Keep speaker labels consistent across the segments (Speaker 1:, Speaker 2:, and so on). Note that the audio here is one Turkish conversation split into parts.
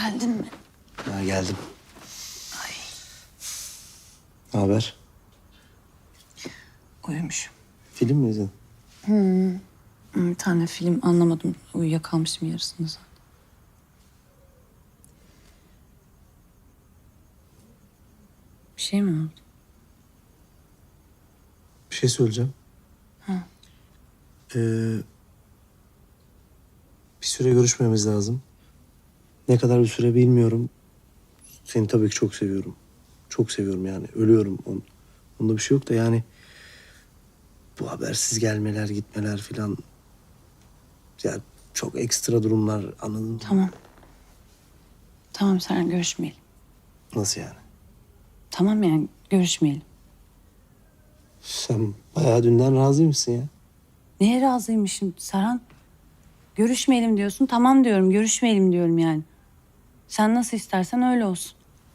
Speaker 1: Geldin mi?
Speaker 2: Ha, geldim.
Speaker 1: Ay,
Speaker 2: Ne haber?
Speaker 1: uyumuşum.
Speaker 2: Film mi izledin?
Speaker 1: Bir tane film anlamadım. Uyuyakalmışım yarısında zaten. Bir şey mi oldu?
Speaker 2: Bir şey söyleyeceğim. Ee, bir süre görüşmemiz lazım. Ne kadar bir süre bilmiyorum. Seni tabii ki çok seviyorum. Çok seviyorum yani. Ölüyorum. Onda bir şey yok da yani... Bu habersiz gelmeler, gitmeler filan... Ya çok ekstra durumlar, anladın mı?
Speaker 1: Tamam. Tamam Serhan, görüşmeyelim.
Speaker 2: Nasıl yani?
Speaker 1: Tamam yani görüşmeyelim.
Speaker 2: Sen bayağı dünden razı mısın ya?
Speaker 1: Neye razıymışım Serhan? Görüşmeyelim diyorsun. Tamam diyorum. Görüşmeyelim diyorum yani. Sen nasıl istersen öyle olsun.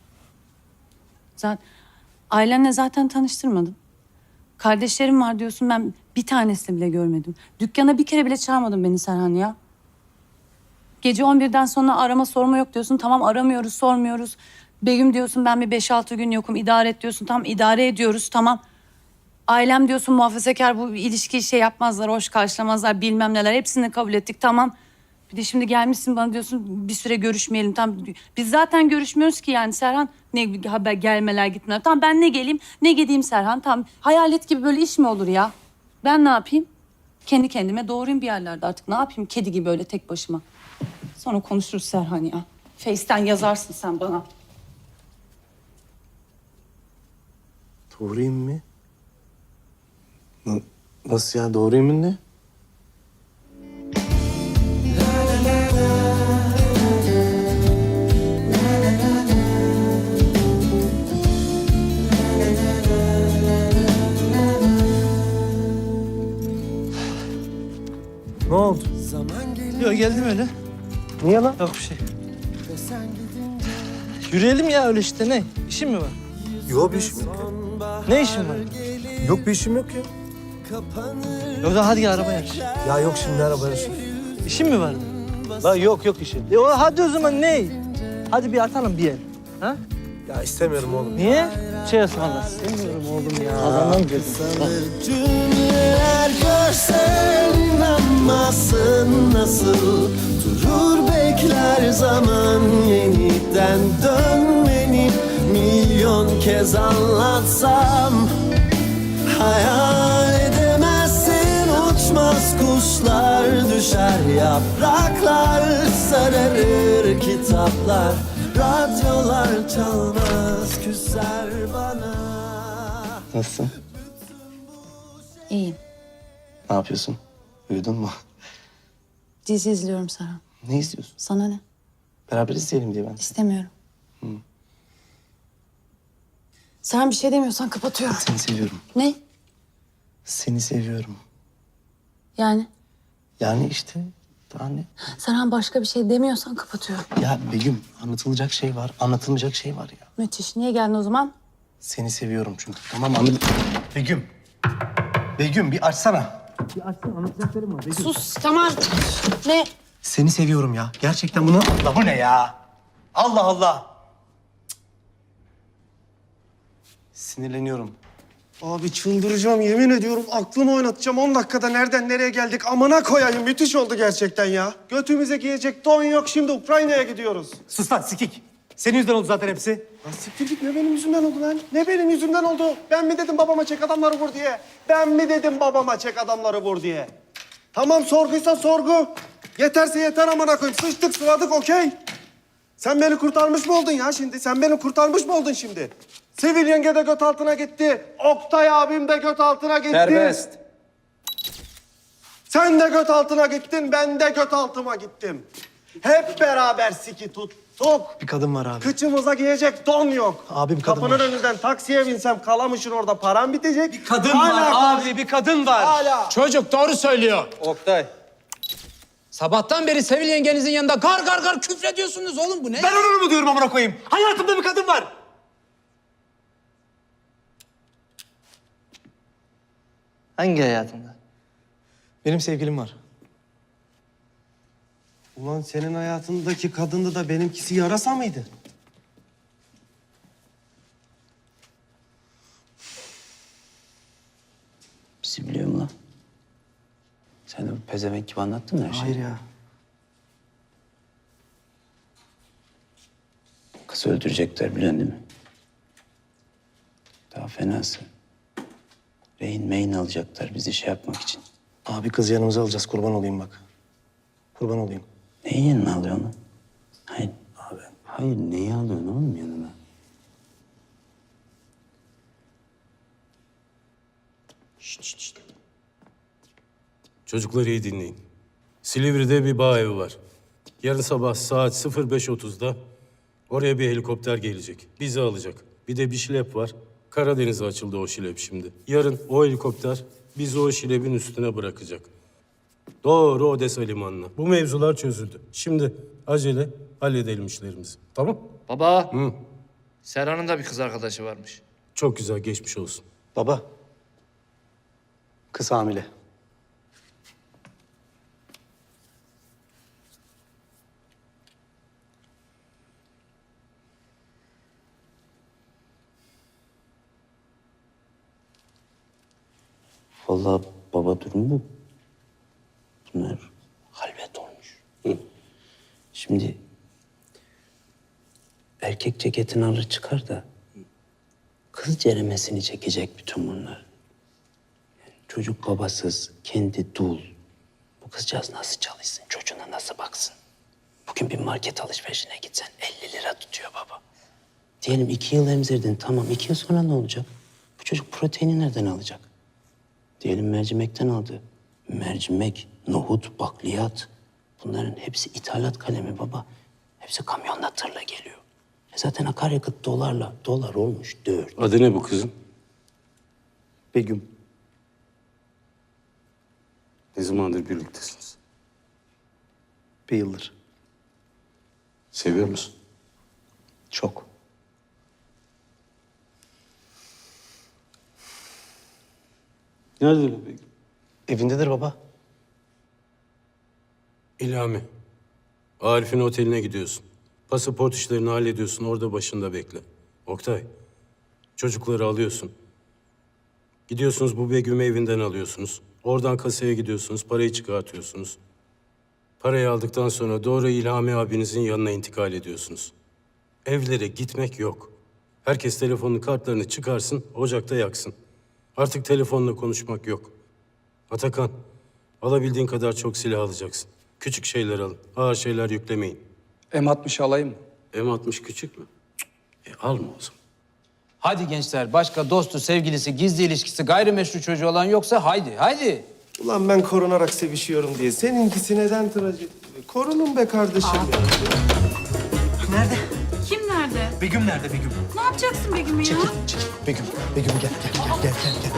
Speaker 1: Zaten ailenle zaten tanıştırmadın. Kardeşlerim var diyorsun. Ben bir tanesini bile görmedim. Dükkana bir kere bile çağırmadın beni Serhan ya. Gece 11'den sonra arama sorma yok diyorsun. Tamam aramıyoruz, sormuyoruz. Begüm diyorsun ben bir 5-6 gün yokum. İdare et diyorsun. Tamam idare ediyoruz. Tamam. Ailem diyorsun muhafazakar, bu ilişkiyi şey yapmazlar, hoş karşılamazlar, bilmem neler. Hepsini kabul ettik, tamam. Bir de şimdi gelmişsin bana diyorsun bir süre görüşmeyelim. Tamam, biz zaten görüşmüyoruz ki yani Serhan. Ne haber, gelmeler gitmeler. Tamam ben ne geleyim ne gideyim Serhan. Tamam, hayalet gibi böyle iş mi olur ya? Ben ne yapayım? Kendi kendime doğrayayım bir yerlerde artık. Ne yapayım kedi gibi öyle tek başıma. Sonra konuşuruz Serhan ya. Face'ten yazarsın sen bana.
Speaker 2: Doğruyum mu? Nasıl ya? Doğruyum ne? Ne oldu?
Speaker 3: Yok geldim öyle.
Speaker 2: Niye lan?
Speaker 3: Yok bir şey. Yürüyelim ya öyle işte ne? İşin mi var?
Speaker 2: Yok bir işim yok.
Speaker 3: Ne işin var?
Speaker 2: Yok bir işim yok ya.
Speaker 3: Yok da hadi arabaya yarış.
Speaker 2: Ya yok şimdi arabaya sür.
Speaker 3: İşin mi vardı?
Speaker 2: La yok işim.
Speaker 3: Hadi o zaman ne? Hadi bir atalım bir yer. Ha?
Speaker 2: Ya istemiyorum oğlum.
Speaker 3: Niye? Şey ısmarla. İstemiyorum oğlum ya. Kazanmam dedim.
Speaker 4: Cümleler görsen inanmazsın nasıl durur bekler zaman yeniden dönmeni milyon kez anlatsam hayal edemezsin uçmaz kuşlar düşer yapraklar sararır kitaplar radyolar çalmaz küser bana.
Speaker 2: Nasılsın?
Speaker 1: İyiyim.
Speaker 2: Ne yapıyorsun? Uyudun mu?
Speaker 1: Dizi izliyorum Serhan.
Speaker 2: Ne izliyorsun?
Speaker 1: Sana ne?
Speaker 2: Beraber izleyelim diye ben.
Speaker 1: İstemiyorum. Sen bir şey demiyorsan kapatıyorum.
Speaker 2: Seni seviyorum.
Speaker 1: Ne?
Speaker 2: Seni seviyorum.
Speaker 1: Yani?
Speaker 2: Yani işte daha ne?
Speaker 1: Serhan başka bir şey demiyorsan kapatıyorum.
Speaker 2: Ya Begüm anlatılacak şey var, anlatılmayacak şey var ya.
Speaker 1: Müthiş. Niye geldin o zaman?
Speaker 2: Seni seviyorum çünkü. Tamam anladım. Begüm. Begüm bir açsana. Bir açsana anlatacaklarım var Begüm.
Speaker 1: Sus tamam. Ne?
Speaker 2: Seni seviyorum ya. Gerçekten bunu... Allah bu ne ya? Allah Allah. Sinirleniyorum.
Speaker 5: Abi çıldıracağım yemin ediyorum aklımı oynatacağım 10 dakikada nereden nereye geldik amına koyayım müthiş oldu gerçekten ya. Götümüze giyecek don yok şimdi Ukrayna'ya gidiyoruz.
Speaker 6: Sus lan sikik. Senin yüzünden oldu zaten hepsi.
Speaker 5: Lan siktir git ne benim yüzümden oldu lan? Ne benim yüzümden oldu? Ben mi dedim babama çek adamları vur diye? Ben mi dedim babama çek adamları vur diye? Tamam sorguysa sorgu. Yeterse yeter amına koyayım sıçtık sıvadık okey. Sen beni kurtarmış mı oldun ya şimdi? Sen beni kurtarmış mı oldun şimdi? Sevil yenge de göt altına gitti. Oktay abim de göt altına gitti.
Speaker 6: Serbest.
Speaker 5: Sen de göt altına gittin, ben de göt altıma gittim. Hep beraber siki tuttuk.
Speaker 2: Bir kadın var abi.
Speaker 5: Kıçımıza giyecek don yok.
Speaker 2: Abi bir kadın
Speaker 5: Kapının
Speaker 2: var.
Speaker 5: önünden taksiye binsem Kalamış'ın orada param bitecek. Bir
Speaker 6: Kadın var abi, bir kadın var.
Speaker 5: Hala.
Speaker 7: Çocuk doğru söylüyor.
Speaker 6: Oktay.
Speaker 7: Sabahtan beri Sevil yengenizin yanında gar gar gar küfrediyorsunuz oğlum, bu ne?
Speaker 6: Ben onu mu diyorum amına koyayım? Hayatımda bir kadın var.
Speaker 3: Hangi hayatında?
Speaker 2: Benim sevgilim var.
Speaker 5: Ulan senin hayatındaki kadındı da benimkisi yarasa mıydı?
Speaker 8: Bizi biliyor mu lan? Sen de bu pezevenk gibi anlattın mı her şeyi?
Speaker 5: Hayır ya.
Speaker 8: Kızı öldürecekler biliyorsun değil mi? Daha fenası. Rehin meyin alacaklar bizi şey yapmak için.
Speaker 2: Abi kızı yanımıza alacağız. Kurban olayım bak. Kurban olayım.
Speaker 8: Neyin yanına alıyorsun lan? Hayır abi. Hayır neyi alıyorsun oğlum yanına?
Speaker 9: Çocukları iyi dinleyin. Silivri'de bir bağ evi var. Yarın sabah saat 05.30'da oraya bir helikopter gelecek. Bizi alacak. Bir de bir şilep var. Karadeniz'e açıldı o şilep şimdi. Yarın o helikopter bizi o şilebin üstüne bırakacak. Doğru Odessa limanına. Bu mevzular çözüldü. Şimdi acele halledelim işlerimizi. Tamam?
Speaker 7: Baba. Serhan'ın da bir kız arkadaşı varmış.
Speaker 9: Çok güzel, geçmiş olsun.
Speaker 2: Baba. Kız hamile.
Speaker 8: Vallahi baba durum bu. Bunlar halvet olmuş. Şimdi erkek ceketini alır çıkar da kız ceremesini çekecek bütün bunlar. Yani çocuk babasız, kendi dul. Bu kızcağız nasıl çalışsın, çocuğuna nasıl baksın? Bugün bir market alışverişine gitsen 50 lira tutuyor baba. Diyelim 2 yıl emzirdin, tamam 2 yıl sonra ne olacak? Bu çocuk proteini nereden alacak? Diyelim mercimekten aldı. Mercimek, nohut, bakliyat. Bunların hepsi ithalat kalemi baba. Hepsi kamyonla tırla geliyor. Zaten akaryakıt dolarla. Dolar olmuş 4.
Speaker 9: Adı ne bu kızın?
Speaker 2: Begüm.
Speaker 9: Ne zamandır birliktesiniz?
Speaker 2: Bir yıldır.
Speaker 9: Seviyor musun?
Speaker 2: Çok.
Speaker 9: Nerede bebeğim?
Speaker 2: Evindedir baba.
Speaker 9: İlhami. Arif'in oteline gidiyorsun. Pasaport işlerini hallediyorsun. Orada başında bekle. Oktay. Çocukları alıyorsun. Gidiyorsunuz bu Begüm'ü evinden alıyorsunuz. Oradan kasaya gidiyorsunuz. Parayı çıkartıyorsunuz. Parayı aldıktan sonra doğru İlhami abinizin yanına intikal ediyorsunuz. Evlere gitmek yok. Herkes telefonun kartlarını çıkarsın, ocakta yaksın. Artık telefonla konuşmak yok. Atakan, alabildiğin kadar çok silah alacaksın. Küçük şeyler alın, ağır şeyler yüklemeyin.
Speaker 7: M60 alayım mı?
Speaker 9: M60 küçük mü? Alma o zaman.
Speaker 7: Hadi gençler, başka dostu, sevgilisi, gizli ilişkisi, gayrimeşru çocuğu olan yoksa haydi.
Speaker 5: Ulan ben korunarak sevişiyorum diye. Seninkisi neden trajedi? Korunun be kardeşim.
Speaker 1: Kim nerede?
Speaker 6: Begüm nerede Begüm?
Speaker 1: Ne yapacaksın Begüm'ü ya?
Speaker 2: Begüm. Begüm gel. Gel.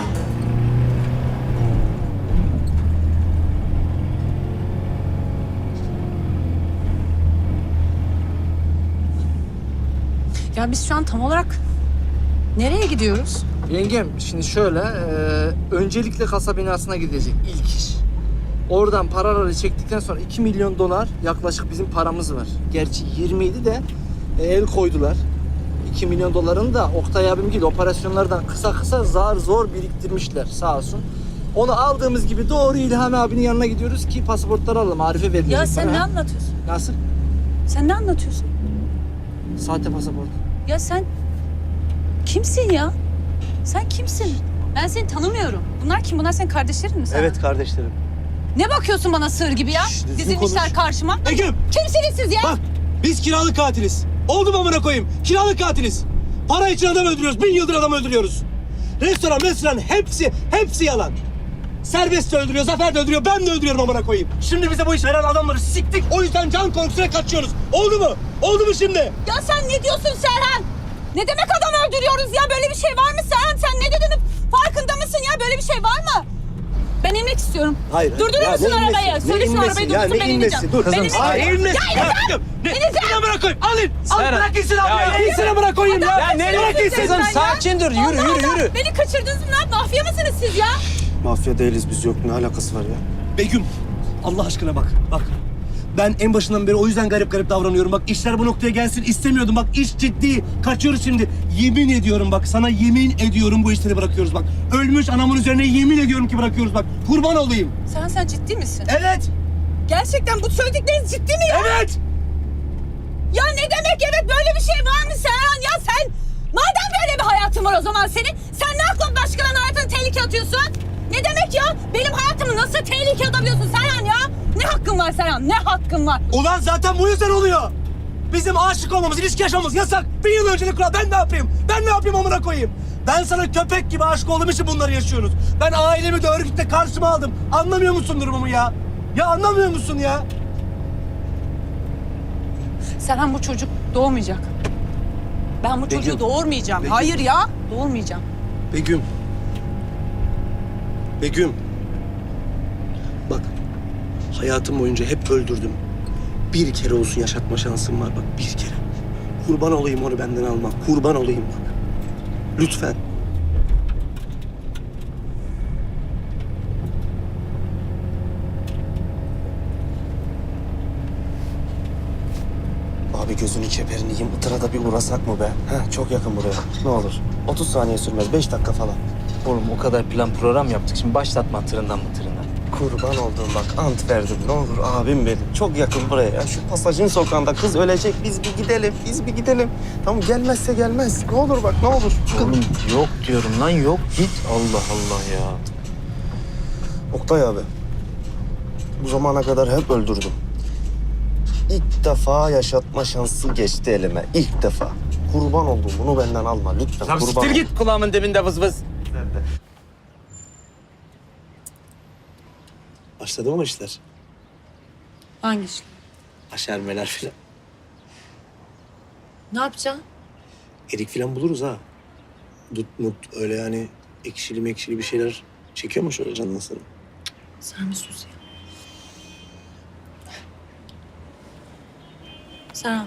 Speaker 1: Ya biz şu an tam olarak nereye gidiyoruz?
Speaker 3: Yengem şimdi şöyle, öncelikle kasa binasına gidecek ilk iş. Oradan paraları çektikten sonra 2 milyon dolar yaklaşık bizim paramız var. Gerçi 20 de el koydular. 2 milyon dolarını da Oktay abim gibi operasyonlardan kısa zar zor biriktirmişler sağ olsun. Onu aldığımız gibi doğru İlhami abinin yanına gidiyoruz ki pasaportları alalım. Arife verilecek
Speaker 1: Ya sen
Speaker 3: para.
Speaker 1: ne anlatıyorsun?
Speaker 3: Nasıl?
Speaker 1: Sen ne anlatıyorsun?
Speaker 3: Sahte pasaport.
Speaker 1: Ya sen kimsin ya? Sen kimsin? Ben seni tanımıyorum. Bunlar kim? Bunlar senin kardeşlerin mi sana?
Speaker 2: Evet kardeşlerim.
Speaker 1: Ne bakıyorsun bana sığır gibi ya?
Speaker 2: düzgün
Speaker 1: Dizilmişler
Speaker 2: konuş.
Speaker 1: karşıma.
Speaker 6: Begüm!
Speaker 1: Kimsiniz siz ya?
Speaker 6: Bak biz kiralık katiliz. Oldu mu amına koyayım? Kiralık katiliz. Para için adam öldürüyoruz. 1000 yıldır adam öldürüyoruz. Restoran hepsi yalan. Serbest de öldürüyor, Zafer de öldürüyor, ben de öldürüyorum amına koyayım. Şimdi bize bu iş veren adamları siktik. O yüzden can korkusuna kaçıyoruz. Oldu mu? Oldu mu şimdi?
Speaker 1: Ya sen ne diyorsun Serhan? Ne demek adam öldürüyoruz ya? Böyle bir şey var mı Serhan? Sen ne dediğinin farkında mısın ya? Böyle bir şey var mı? Ben inmek istiyorum.
Speaker 2: Hayır.
Speaker 1: Durdurur
Speaker 2: Ya
Speaker 1: musun
Speaker 2: ne
Speaker 1: arabayı?
Speaker 2: inmesi? Ne
Speaker 1: Söyle şu
Speaker 2: inmesi?
Speaker 1: arabayı
Speaker 2: Ya
Speaker 1: durdursun
Speaker 2: ne
Speaker 1: ben
Speaker 2: inmesi?
Speaker 1: ineceğim.
Speaker 2: Dur
Speaker 1: Ben
Speaker 2: kızım,
Speaker 1: ineceğim.
Speaker 6: Hayır inmesin.
Speaker 1: Ya
Speaker 6: Ya Begüm, ne amına koyayım? Alın. Al
Speaker 1: Serhan.
Speaker 6: bırak gitsin abi.
Speaker 1: Ya,
Speaker 6: Gitsin amına koyayım ya. Bırak gitsin.
Speaker 1: Kızım
Speaker 7: sakin dur, yürü.
Speaker 1: Beni kaçırdınız mı lan? Mafya mısınız siz ya?
Speaker 2: Mafya değiliz biz, yok. Ne alakası var ya?
Speaker 6: Begüm, Allah aşkına bak. Ben en başından beri o yüzden garip davranıyorum. Bak işler bu noktaya gelsin istemiyordum. Bak iş ciddi. Kaçıyoruz şimdi. Yemin ediyorum bak sana yemin ediyorum bu işleri bırakıyoruz bak. Ölmüş anamın üzerine yemin ediyorum ki bırakıyoruz bak. Kurban olayım.
Speaker 10: Sen ciddi misin?
Speaker 6: Evet.
Speaker 10: Gerçekten bu söyledikleriniz ciddi mi ya?
Speaker 6: Evet.
Speaker 10: Ya ne demek evet böyle bir şey var mı Serhan ya sen? Madem böyle bir hayatın var o zaman senin, sen ne aklın başkalarının hayatını tehlikeye atıyorsun? Ne demek ya? Benim hayatımı nasıl tehlikeye atabiliyorsun Serhan ya? Ne hakkın var Serhan? Ne hakkın var?
Speaker 6: Ulan zaten bu yüzden oluyor. Bizim aşık olmamız, ilişki yaşamamız yasak. 1 yıl öncelik kural. Ben ne yapayım? Ben ne yapayım amına koyayım? Ben sana köpek gibi aşık olduğum için bunları yaşıyoruz. Ben ailemi de örgütle karşıma aldım. Anlamıyor musun durumumu ya? Ya anlamıyor musun ya?
Speaker 10: Serhan bu çocuk doğmayacak. Ben bu çocuğu doğurmayacağım. Hayır ya, doğurmayacağım.
Speaker 2: Begüm. Begüm. Bak, hayatım boyunca hep öldürdüm. Bir kere olsun yaşatma şansım var bak, bir kere. Kurban olayım onu benden alma. Kurban olayım bak. Lütfen. Abi gözünü keperini yiyeyim. Itır'a da bir uğrasak mı be? Heh, çok yakın buraya. Ne olur. 30 saniye sürmez. 5 dakika falan.
Speaker 3: Oğlum o kadar plan program yaptık. Şimdi başlatma tırından.
Speaker 2: Kurban olduğum bak ant verdim. Ne olur abim benim. Çok yakın buraya. Ya şu pasajın sokağında kız ölecek. Biz bir gidelim. Biz bir gidelim. Tamam gelmezse gelmez. Ne olur bak ne olur.
Speaker 3: Oğlum yok diyorum lan yok. Git. Allah Allah ya.
Speaker 2: Oktay abi. Bu zamana kadar hep öldürdüm. İlk defa yaşatma şansı geçti elime. İlk defa. Kurban oldum. Bunu benden alma lütfen.
Speaker 3: Lan
Speaker 2: Kurban
Speaker 3: siktir
Speaker 2: ol.
Speaker 3: git kulağımın dibinde vız vız.
Speaker 2: Başladı mı işler?
Speaker 1: Hangi iş?
Speaker 2: Aşermeler filan.
Speaker 1: Ne yapacaksın?
Speaker 2: Erik filan buluruz ha. Dut mut öyle yani ekşili mekşili bir şeyler çekiyor mu şöyle canına senin?
Speaker 1: Sen bir sus ya. Serhan.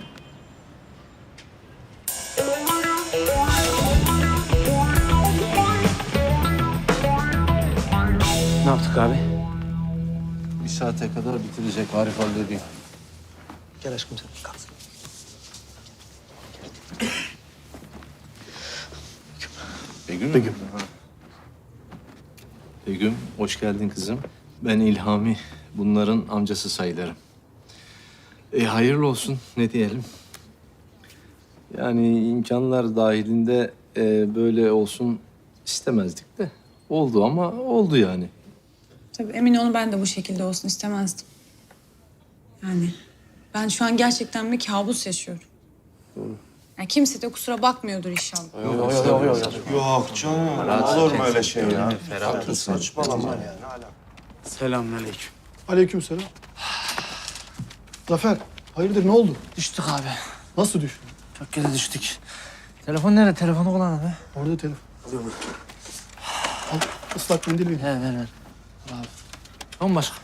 Speaker 3: Ne yaptık abi?
Speaker 7: Bir saate kadar bitirecek Arif hallediyor.
Speaker 2: Gel aşkım sen kalk.
Speaker 7: Begüm.
Speaker 2: Begüm.
Speaker 7: Begüm, hoş geldin kızım. Ben İlhami, bunların amcası sayılırım. Hayırlı olsun, ne diyelim. Yani imkanlar dahilinde böyle olsun istemezdik de. Oldu ama oldu yani.
Speaker 1: Tabii emin olun ben de bu şekilde olsun istemezdim. Yani ben şu an gerçekten bir kabus yaşıyorum. Yani kimse de kusura bakmıyordur inşallah.
Speaker 5: Yok canım. Olur mu öyle şey ya?
Speaker 3: Ferah.
Speaker 5: Saçmalama ya.
Speaker 3: Selamünaleyküm.
Speaker 11: Aleykümselam. Zafer, hayırdır ne oldu?
Speaker 3: Düştük abi.
Speaker 11: Nasıl düştün?
Speaker 3: Çok kere düştük. Telefon nerede? Telefonu kullan abi.
Speaker 11: Orada telefon. Al, ıslak mendil ver.
Speaker 3: He ver. Abi. Tamam başka.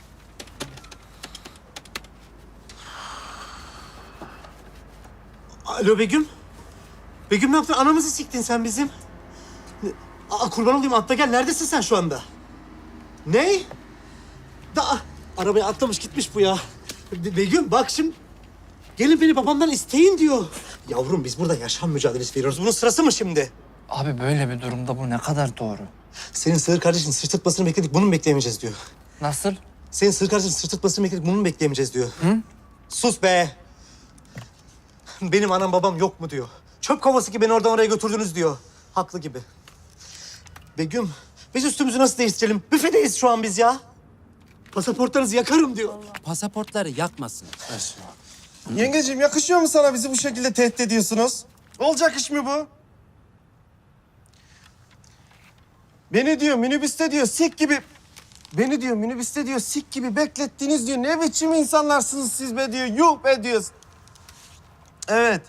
Speaker 6: Alo Begüm. Begüm ne yaptın? Anamızı siktin sen bizim. Kurban olayım atla gel. Neredesin sen şu anda? Ne? Arabaya atlamış gitmiş bu ya. Begüm bak şimdi. Gelin beni babamdan isteyin diyor. Yavrum biz burada yaşam mücadelesi veriyoruz. Bunun sırası mı şimdi?
Speaker 3: Abi böyle bir durumda bu ne kadar doğru?
Speaker 6: Senin sığır kardeşin sırtırtmasını bekledik. Bunu mu bekleyemeyeceğiz diyor.
Speaker 3: Nasıl?
Speaker 6: Senin sığır kardeşin sırtırtmasını bekledik. Bunu mu bekleyemeyeceğiz diyor. Hı? Sus be. Benim anam babam yok mu diyor. Çöp kovası gibi beni oradan oraya götürdünüz diyor. Haklı gibi. Begüm, biz üstümüzü nasıl değiştirelim? Büfedeyiz şu an biz ya. Pasaportlarınızı yakarım diyor.
Speaker 7: Pasaportları yakmasın.
Speaker 5: Yengeciğim yakışıyor mu sana bizi bu şekilde tehdit ediyorsunuz? Olacak iş mi bu? Beni diyor minibüste diyor sik gibi... Beni diyor minibüste diyor sik gibi beklettiniz diyor. Ne biçim insanlarsınız siz be diyor. Yuh be diyor. Evet.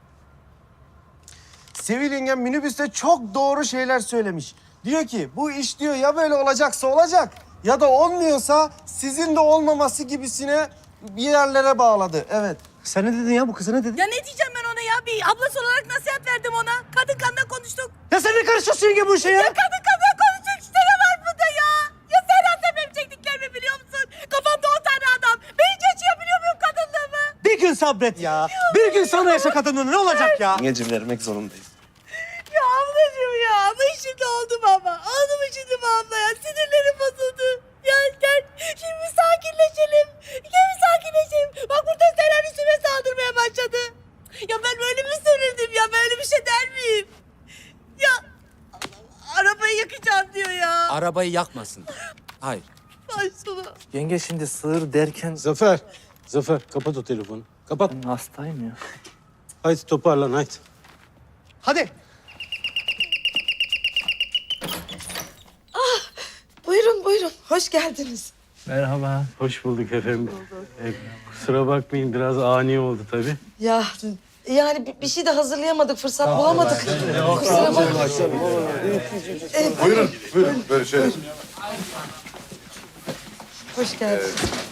Speaker 5: Sevil yengem minibüste çok doğru şeyler söylemiş. Diyor ki bu iş diyor ya böyle olacaksa olacak ya da olmuyorsa sizin de olmaması gibisine bir yerlere bağladı. Evet.
Speaker 6: Sen ne dedin ya? Bu kıza ne dedin?
Speaker 10: Ya ne diyeceğim ben ona ya? Bir ablası olarak nasihat verdim ona. Kadın kanına konuştuk.
Speaker 6: Ya sen ne karışıyorsun yenge bu işe ya?
Speaker 10: Ya kadın kanına konuştuk işte ne var burada ya? Ya Serhan sen benim çektiklerimi biliyor musun? Kafamda 10 tane adam. Ben hiç yaşayabiliyor muyum kadın
Speaker 6: Bir gün sabret ya. Bir gün sonra yaşa kadını ne olacak ya?
Speaker 5: Yengecim vermek zorundayız.
Speaker 10: Ya ablacığım ya. Ama şimdi oldum ama. Oldu mu şimdi bu abla ya? Sinirlerim bozuldu. Ya gel şimdi bir sakinleşelim. Gel bir sakinleşelim. Bak burada Seren üstüme saldırmaya başladı. Ya ben böyle mi sinirdim ya? Böyle bir şey der miyim? Ya Allah, arabayı yakacağım diyor ya.
Speaker 12: Arabayı yakmasın. Hayır.
Speaker 10: Ay sonu.
Speaker 3: Yenge şimdi sığır derken...
Speaker 9: Zafer, Zafer kapat o telefonu. Kapat.
Speaker 3: Ben hastayım ya.
Speaker 9: Haydi toparlan haydi.
Speaker 6: Hadi.
Speaker 10: Buyurun buyurun. Hoş geldiniz.
Speaker 3: Merhaba.
Speaker 9: Hoş bulduk efendim. Kusura bakmayın biraz ani oldu tabii.
Speaker 10: Ya yani bir şey de hazırlayamadık. Fırsat bulamadık. Kusura bakmayın.
Speaker 13: Buyurun, buyurun. Böyle şöyle.
Speaker 10: Hoş geldiniz.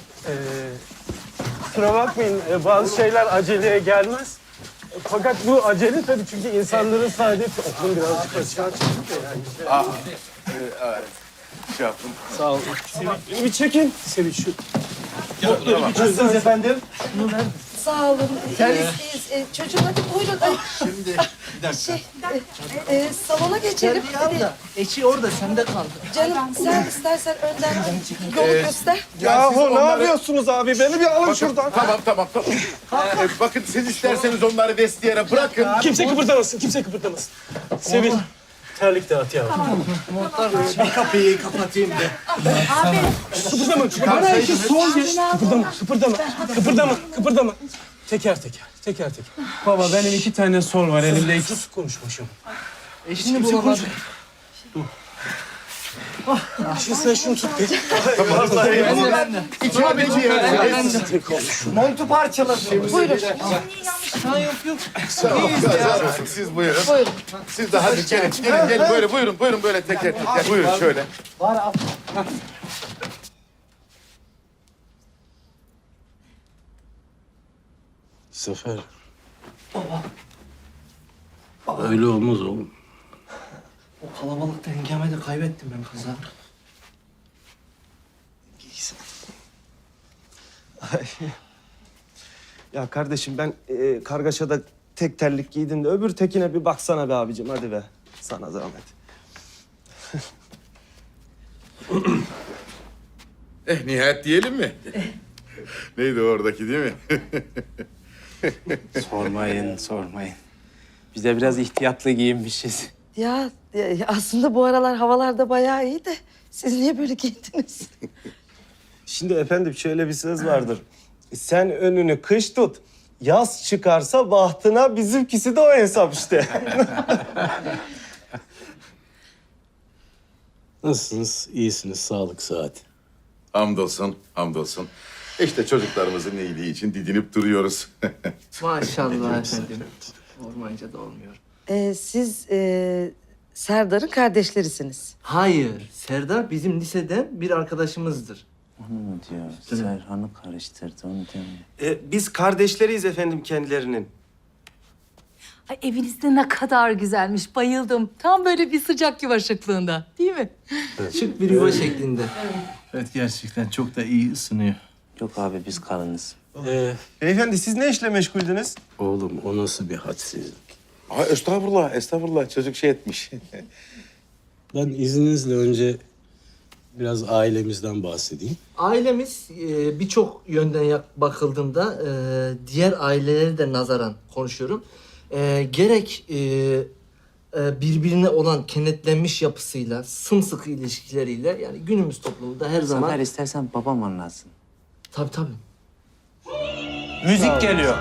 Speaker 6: Kusura bakmayın bazı şeyler aceleye gelmez. Fakat bu acele tabii çünkü insanların saadeti okulun birazcık aşağı çıktı yani.
Speaker 13: Şey yaptım.
Speaker 6: Sağ olun. Beni bir çekin. Sevinç şu. Notları bir çözdünüz efendim.
Speaker 10: Sağ olun. İyiyiz. Çocuğum hadi buyurun. Ay,
Speaker 3: Şimdi bir dakika.
Speaker 10: salona geçelim.
Speaker 3: Eşi orada sende kaldı.
Speaker 10: Canım sen istersen önden yolu göster.
Speaker 5: Yahu ne yapıyorsunuz abi? Beni bir alın şuradan.
Speaker 13: Tamam. Bakın siz isterseniz onları vestiyere bırakın.
Speaker 6: Kimse kıpırdamasın, kimse kıpırdamasın. Sevin. Terlik dağıt yavrum.
Speaker 3: Bir kapıyı kapatayım da.
Speaker 6: Kıpırdama, kıpırdama. Teker teker. Baba benim 2 tane sol var elimde. Sus konuşmuşum.
Speaker 3: Eşini bulamadım.
Speaker 6: Şimdi sen şunu tut bir.
Speaker 3: Ben de.
Speaker 5: Montu parçaladım.
Speaker 10: Buyurun.
Speaker 3: Yok.
Speaker 13: Siz buyurun. Siz de hadi gelin böyle buyurun böyle teker. Buyurun şöyle.
Speaker 9: Zafer. Öyle olmaz oğlum.
Speaker 3: O kalabalıkta hengame de kaybettim ben kızı.
Speaker 5: Ya kardeşim ben kargaşada tek terlik giydim de öbür tekine bir baksana be abicim hadi be. Sana zahmet.
Speaker 13: Nihayet diyelim mi? Neydi oradaki değil mi?
Speaker 8: Sormayın. Biz de biraz ihtiyatlı giyinmişiz.
Speaker 10: Ya aslında bu aralar havalar da bayağı iyi de siz niye böyle giyindiniz?
Speaker 5: Şimdi efendim şöyle bir söz vardır. Sen önünü kış tut. Yaz çıkarsa bahtına bizimkisi de o hesap işte.
Speaker 9: Nasılsınız? İyisiniz. Sağlık, sıhhat.
Speaker 13: Hamdolsun. İşte çocuklarımızın iyiliği için didinip duruyoruz.
Speaker 3: Maşallah efendim. Olmayınca da olmuyor.
Speaker 10: Siz Serdar'ın kardeşlerisiniz.
Speaker 3: Hayır. Serdar bizim liseden bir arkadaşımızdır.
Speaker 8: Onu mu diyor? Serhan'ı karıştırdı onu demiyor.
Speaker 5: Biz kardeşleriyiz efendim kendilerinin.
Speaker 14: Ay eviniz de ne kadar güzelmiş. Bayıldım. Tam böyle bir sıcak yuvaşıklığında. Değil mi?
Speaker 3: Şık bir yuva şeklinde.
Speaker 7: Evet gerçekten çok da iyi ısınıyor.
Speaker 8: Yok abi biz karınız.
Speaker 5: Beyefendi siz ne işle meşguldünüz?
Speaker 9: Oğlum o nasıl bir hadsizlik?
Speaker 13: Estağfurullah. Çocuk şey etmiş.
Speaker 9: Ben izninizle önce biraz ailemizden bahsedeyim.
Speaker 3: Ailemiz birçok yönden bakıldığında diğer aileleri de nazaran konuşuyorum. Gerek birbirine olan kenetlenmiş yapısıyla, sımsıkı ilişkileriyle yani günümüz toplumunda her zaman...
Speaker 8: Zafer istersen babam anlatsın.
Speaker 3: Tabii.
Speaker 6: Müzik geliyor.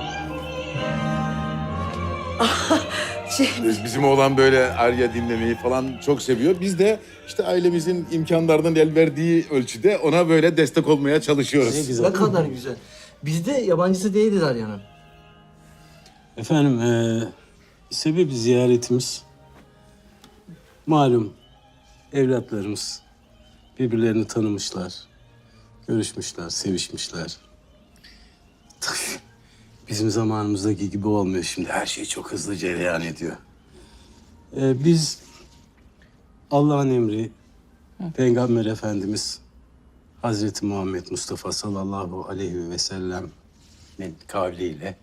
Speaker 13: Bizim oğlan böyle Arya dinlemeyi falan çok seviyor. Biz de işte ailemizin imkanlarından el verdiği ölçüde ona böyle destek olmaya çalışıyoruz.
Speaker 9: Ne güzel.
Speaker 3: Ne kadar güzel. Bizde yabancısı değildir Arya'nın.
Speaker 9: Efendim sebebi ziyaretimiz malum evlatlarımız birbirlerini tanımışlar, görüşmüşler, sevişmişler. Tabii bizim zamanımızdaki gibi olmuyor şimdi. Her şey çok hızlı cereyan ediyor. Biz Allah'ın emri Peygamber Efendimiz Hazreti Muhammed Mustafa sallallahu aleyhi ve sellem Rahmetli'nin kavliyle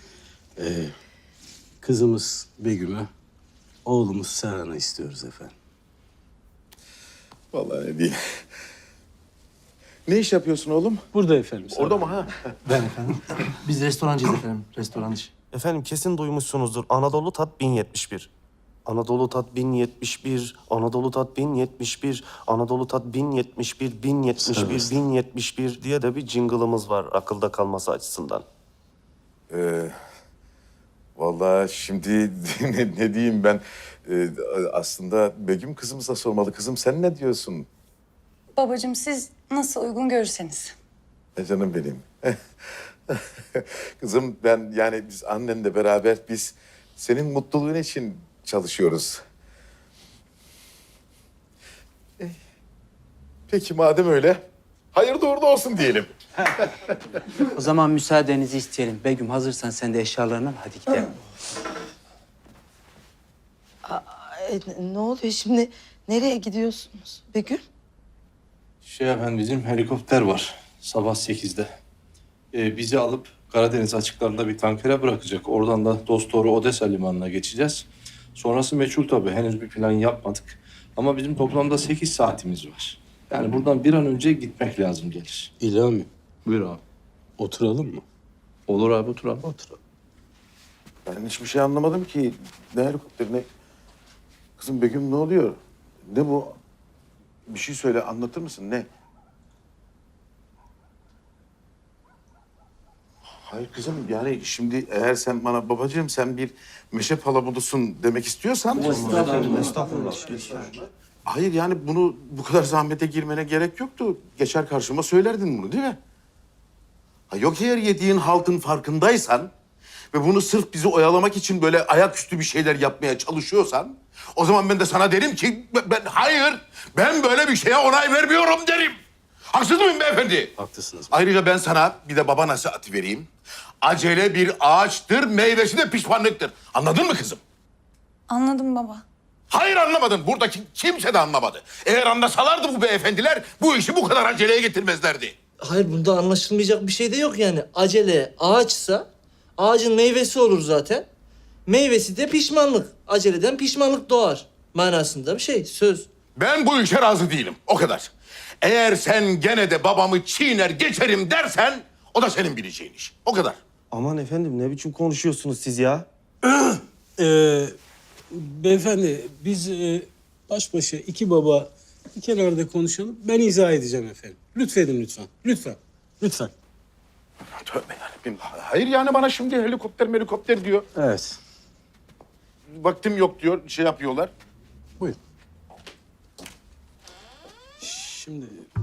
Speaker 9: kızımız Begüm'ü, oğlumuz Serhan'ı istiyoruz efendim.
Speaker 13: Vallahi ne diyeyim. Ne iş yapıyorsun oğlum?
Speaker 9: Burada efendim.
Speaker 13: Orada mı ha?
Speaker 2: Ben efendim.
Speaker 3: Biz restorancıyız efendim. Restorancı.
Speaker 5: Efendim kesin duymuşsunuzdur. Anadolu Tat 1071. Anadolu Tat 1071, Anadolu Tat 1071, Anadolu Tat 1071, 1071, 1071 diye de bir jingle'ımız var akılda kalması açısından.
Speaker 13: Vallahi şimdi ne diyeyim ben? Aslında Begüm kızımıza sormalı. Kızım sen ne diyorsun?
Speaker 1: Babacığım siz nasıl uygun görürseniz.
Speaker 13: Canım benim. Kızım ben yani biz annenle beraber biz senin mutluluğun için çalışıyoruz. Peki madem öyle hayırlı uğurlu olsun diyelim.
Speaker 8: O zaman müsaadenizi isteyelim. Begüm hazırsan sen de eşyalarını al, hadi gidelim.
Speaker 15: Ne oluyor şimdi? Nereye gidiyorsunuz Begüm?
Speaker 7: Efendim bizim helikopter var sabah 8'de. Bizi alıp Karadeniz açıklarında bir tankere bırakacak. Oradan da dosdoğru Odessa limanına geçeceğiz. Sonrası meçhul tabii. Henüz bir plan yapmadık. Ama bizim toplamda 8 saatimiz var. Yani buradan bir an önce gitmek lazım gelir.
Speaker 9: İlhami,
Speaker 7: Buyur abi.
Speaker 9: oturalım mı?
Speaker 7: Olur abi oturalım. Oturalım.
Speaker 13: Ben hiçbir şey anlamadım ki. Ne helikopteri ne? Kızım Begüm ne oluyor? Ne bu? Bir şey söyle anlatır mısın ne? Hayır kızım yani şimdi eğer sen bana babacığım sen bir meşe palamudusun demek istiyorsan...
Speaker 5: Estağfurullah.
Speaker 13: Hayır yani bunu bu kadar zahmete girmene gerek yoktu. Geçer karşıma söylerdin bunu değil mi? Ha, yok eğer yediğin haltın farkındaysan ve bunu sırf bizi oyalamak için böyle ayaküstü bir şeyler yapmaya çalışıyorsan o zaman ben de sana derim ki ben böyle bir şeye onay vermiyorum derim. Haksız mıyım beyefendi?
Speaker 9: Haklısınız.
Speaker 13: Ayrıca ben sana bir de baba nasihatı vereyim. Acele bir ağaçtır, meyvesi de pişmanlıktır. Anladın mı kızım?
Speaker 1: Anladım baba.
Speaker 13: Hayır anlamadın. Buradaki kimse de anlamadı. Eğer anlasalardı bu beyefendiler bu işi bu kadar aceleye getirmezlerdi.
Speaker 3: Hayır bunda anlaşılmayacak bir şey de yok yani. Acele ağaçsa ağacın meyvesi olur zaten. Meyvesi de pişmanlık. Aceleden pişmanlık doğar manasında bir şey, söz.
Speaker 13: Ben bu işe razı değilim. O kadar. Eğer sen gene de babamı çiğner geçerim dersen o da senin bileceğin iş. O kadar.
Speaker 5: Aman efendim ne biçim konuşuyorsunuz siz ya?
Speaker 9: Beyefendi biz baş başa iki baba bir kenarda konuşalım. Ben izah edeceğim efendim. Lütfedin lütfen. Lütfen. Lütfen.
Speaker 13: Tövbe yarabbim. Hayır yani bana şimdi helikopter diyor.
Speaker 9: Evet.
Speaker 13: Vaktim yok diyor. Şey yapıyorlar.
Speaker 9: Buyurun. Şimdi